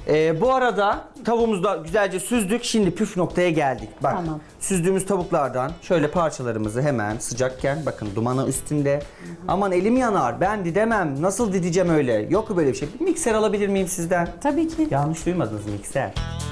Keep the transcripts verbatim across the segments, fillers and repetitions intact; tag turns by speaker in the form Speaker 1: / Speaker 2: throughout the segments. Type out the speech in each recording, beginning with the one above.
Speaker 1: Ee, bu arada tavuğumuzu da güzelce süzdük. Şimdi püf noktaya geldik. Bak,
Speaker 2: Tamam.
Speaker 1: süzdüğümüz tavuklardan şöyle parçalarımızı hemen sıcakken, bakın dumanı üstünde. Hı hı. Aman elim yanar, ben didemem, nasıl dideceğim öyle? Yok böyle bir şey. Bir mikser alabilir miyim sizden?
Speaker 2: Tabii ki.
Speaker 1: Yanlış duymadınız, mikser.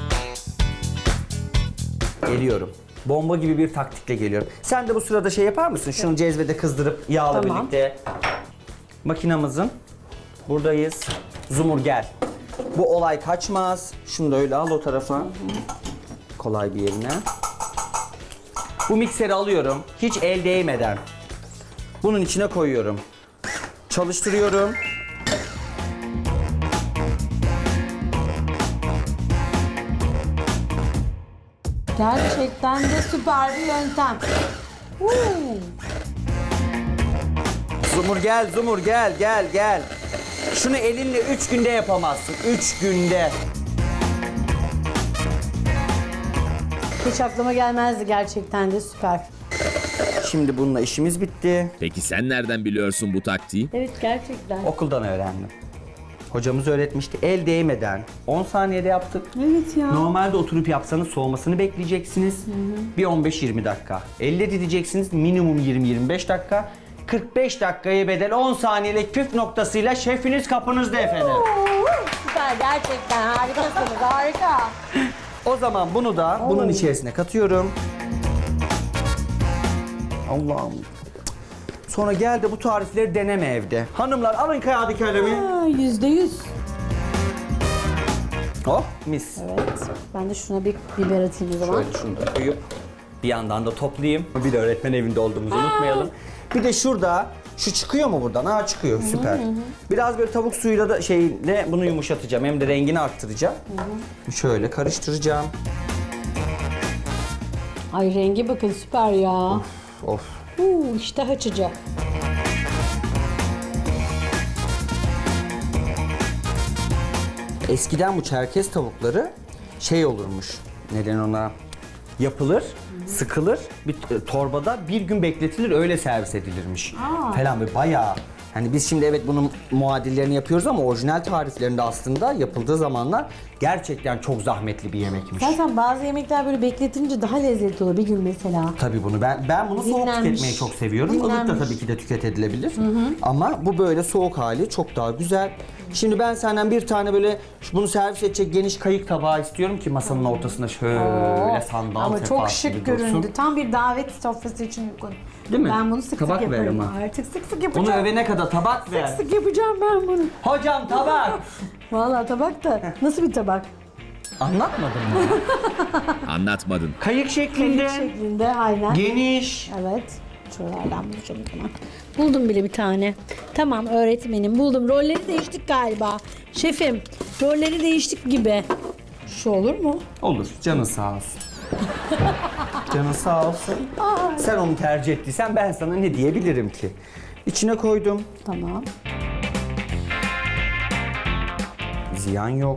Speaker 1: Geliyorum. Bomba gibi bir taktikle geliyorum. Sen de bu sırada şey yapar mısın? Şunu cezvede kızdırıp yağla
Speaker 2: Tamam.
Speaker 1: birlikte. Makinamızın buradayız. Zumur gel. Bu olay kaçmaz. Şunu da öyle al o tarafa. Hı hı. Kolay bir yerine. Bu mikseri alıyorum. Hiç el değmeden. Bunun içine koyuyorum. Çalıştırıyorum.
Speaker 2: Gerçekten de süper bir yöntem. Uuu.
Speaker 1: Zumur gel, Zumur gel, gel, gel. Şunu elinle üç günde yapamazsın. Üç günde.
Speaker 2: Hiç aklıma gelmezdi, gerçekten de süper.
Speaker 1: Şimdi bununla işimiz bitti.
Speaker 3: Peki sen nereden biliyorsun bu taktiği?
Speaker 2: Evet, gerçekten.
Speaker 1: Okuldan öğrendim. Hocamız öğretmişti. El değmeden on saniyede yaptık.
Speaker 2: Evet ya.
Speaker 1: Normalde oturup yapsanız soğumasını bekleyeceksiniz. Hı hı. Bir on beş yirmi dakika. Elle dideceksiniz minimum yirmi yirmi beş dakika. kırk beş dakikaya bedel on saniyelik püf noktasıyla şefiniz kapınızda efendim.
Speaker 2: Oo, süper, gerçekten harikasınız, harika.
Speaker 1: O zaman bunu da
Speaker 2: Oo.
Speaker 1: bunun içerisine katıyorum. Allah'ım. Sonra gel de bu tarifleri deneme evde. Hanımlar alın kağıdı kalemi.
Speaker 2: Aa, Yüzde yüz.
Speaker 1: Oh mis.
Speaker 2: Evet. Ben de şuna bir biber atayım o zaman.
Speaker 1: Şöyle şunu da koyup bir yandan da toplayayım. Bir de öğretmen evinde olduğumuzu unutmayalım. Bir de şurada şu çıkıyor mu buradan? Aa çıkıyor. Süper. Hı hı. Biraz böyle tavuk suyuyla da şeyle bunu yumuşatacağım. Hem de rengini arttıracağım. Hı hı. Şöyle karıştıracağım.
Speaker 2: Ay rengi bakın süper ya.
Speaker 1: Of. Of.
Speaker 2: Uuu iştah açıcı.
Speaker 1: Eskiden bu Çerkez tavukları şey olurmuş. Neden ona? Yapılır, hı hı. sıkılır, bir torbada bir gün bekletilir, öyle servis edilirmiş. Aa. Falan böyle bayağı. Hani biz şimdi evet bunun muadillerini yapıyoruz ama orijinal tariflerinde aslında yapıldığı zamanlar gerçekten çok zahmetli bir yemekmiş.
Speaker 2: Zaten bazı yemekler böyle bekletilince daha lezzetli olur bir gün mesela.
Speaker 1: Tabii bunu ben ben bunu soğuk
Speaker 2: Dinlenmiş.
Speaker 1: tüketmeyi çok seviyorum. Ilık
Speaker 2: Dinlenmiş.
Speaker 1: da tabii ki de tüketilebilir. Hı hı. Ama bu böyle soğuk hali çok daha güzel. Şimdi ben senden bir tane böyle bunu servis edecek geniş kayık tabağı istiyorum ki masanın ortasında şöyle
Speaker 2: Oo.
Speaker 1: sandal
Speaker 2: Ama
Speaker 1: sefası
Speaker 2: çok
Speaker 1: gibi
Speaker 2: şık
Speaker 1: dursun.
Speaker 2: göründü. Tam bir davet sofrası için uygun.
Speaker 1: Değil mi?
Speaker 2: Ben bunu sık
Speaker 1: Tabak
Speaker 2: sık
Speaker 1: ver
Speaker 2: yaparım.
Speaker 1: ama.
Speaker 2: Artık sık sık yapacağım.
Speaker 1: Bunu övene kadar tabak ver.
Speaker 2: Sık sık yapacağım ben bunu.
Speaker 1: Hocam tabak.
Speaker 2: Vallahi tabak da nasıl bir tabak?
Speaker 1: Anlatmadın mı?
Speaker 3: Anlatmadın.
Speaker 1: Kayık şeklinde.
Speaker 2: Şeklinde aynen.
Speaker 1: Geniş.
Speaker 2: Evet. Şuralardan bulacağım o zaman. Buldum bile bir tane. Tamam öğretmenim buldum. Rolleri değiştik galiba. Şefim rolleri değiştik gibi. Şu olur mu?
Speaker 1: Olur. Canın sağ olsun. Canın sağ olsun. Sen onu tercih ettiysen ben sana ne diyebilirim ki? İçine koydum.
Speaker 2: Tamam.
Speaker 1: Ziyan yok.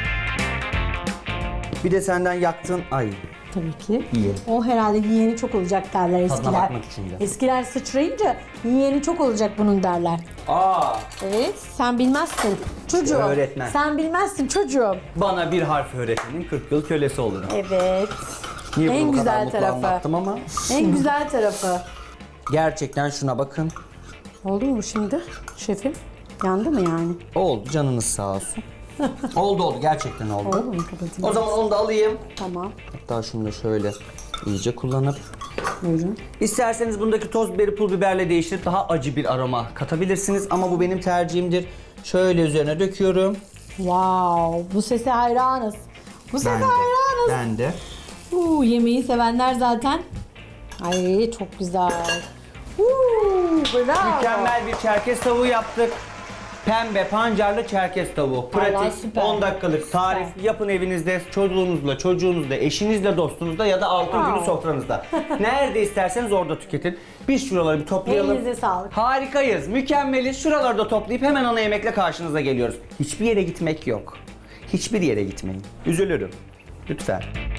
Speaker 1: Bir de senden yaktığın ay.
Speaker 2: Tabii ki.
Speaker 1: Yiyelim.
Speaker 2: O herhalde yiyeni çok olacak derler
Speaker 1: Tadına
Speaker 2: eskiler.
Speaker 1: bakmak için de.
Speaker 2: Eskiler sıçrayınca yiyeni çok olacak bunun derler.
Speaker 1: Aa,
Speaker 2: Evet, sen bilmezsin çocuğum.
Speaker 1: Öğretmen.
Speaker 2: Sen bilmezsin çocuğum.
Speaker 1: bana bir harf öğretenin kırk yıl kölesi olurum.
Speaker 2: Evet.
Speaker 1: Niye
Speaker 2: En
Speaker 1: bunu bu kadar
Speaker 2: güzel
Speaker 1: mutlu
Speaker 2: tarafı.
Speaker 1: anlattım ama
Speaker 2: En güzel tarafı.
Speaker 1: gerçekten şuna bakın.
Speaker 2: Oldu mu bu şimdi şefim? Yandı mı yani?
Speaker 1: Oldu, canınız sağ olsun. oldu oldu, gerçekten oldu.
Speaker 2: Oldu mu? Kapatayım.
Speaker 1: O zaman onu da alayım.
Speaker 2: Tamam.
Speaker 1: Hatta şunu da şöyle iyice kullanıp.
Speaker 2: Buyurun.
Speaker 1: İsterseniz bundaki toz biberi, pul biberle değiştirip daha acı bir aroma katabilirsiniz. Ama bu benim tercihimdir. Şöyle üzerine döküyorum.
Speaker 2: Wow, bu sese hayranız. Bu sese
Speaker 1: Ben de.
Speaker 2: hayranız.
Speaker 1: Ben de.
Speaker 2: Uuu, yemeği sevenler zaten. Ay çok güzel. Uuu, bravo.
Speaker 1: Mükemmel bir Çerkez tavuğu yaptık. Pembe pancarlı Çerkez tavuğu.
Speaker 2: Vallahi
Speaker 1: Pratik,
Speaker 2: süper.
Speaker 1: on dakikalık tarif.
Speaker 2: Süper.
Speaker 1: Yapın evinizde, çocuğunuzla, çocuğunuzla, eşinizle, dostunuzla ya da altın
Speaker 2: Wow.
Speaker 1: günü sofranızda. Nerede isterseniz orada tüketin. Biz şuraları bir toplayalım.
Speaker 2: Elinize sağlık.
Speaker 1: Harikayız, mükemmeliz. Şuraları da toplayıp hemen ana yemekle karşınıza geliyoruz. Hiçbir yere gitmek yok. Hiçbir yere gitmeyin. Üzülürüm. Lütfen.